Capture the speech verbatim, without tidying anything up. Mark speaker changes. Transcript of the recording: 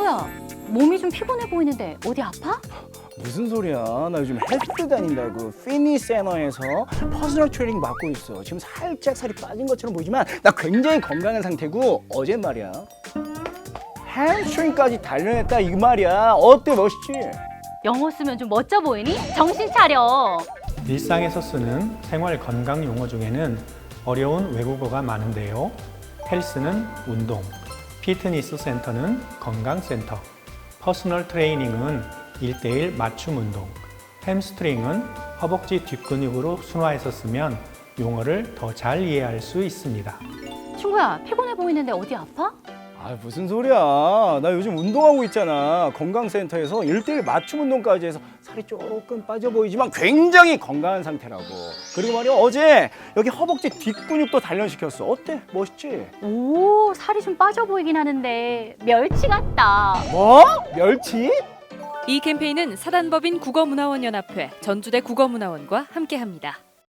Speaker 1: 친구야, 몸이 좀 피곤해 보이는데 어디 아파?
Speaker 2: 무슨 소리야? 나 요즘 헬스 다닌다고 피트니스 센터에서 퍼스널 트레이닝 받고 있어. 지금 살짝 살이 빠진 것처럼 보이지만 나 굉장히 건강한 상태고 어제 말이야 햄스트링까지 단련했다 이 말이야. 어때, 멋있지?
Speaker 1: 영어 쓰면 좀 멋져 보이니? 정신 차려.
Speaker 3: 일상에서 쓰는 생활 건강 용어 중에는 어려운 외국어가 많은데요. 헬스는 운동, 피트니스 센터는 건강센터, 퍼스널 트레이닝은 일대일 맞춤 운동, 햄스트링은 허벅지 뒷근육으로 순화해서 쓰면 용어를 더 잘 이해할 수 있습니다.
Speaker 1: 친구야, 피곤해 보이는데 어디 아파?
Speaker 2: 아, 무슨 소리야? 나 요즘 운동하고 있잖아. 건강센터에서 일대일 맞춤 운동까지 해서 살이 조금 빠져 보이지만 굉장히 건강한 상태라고. 그리고 말이야, 어제 여기 허벅지 뒷근육도 단련시켰어. 어때? 멋있지?
Speaker 1: 오, 살이 좀 빠져 보이긴 하는데 멸치 같다.
Speaker 2: 뭐? 멸치?
Speaker 4: 이 캠페인은 사단법인 국어문화원연합회 전주대 국어문화원과 함께합니다.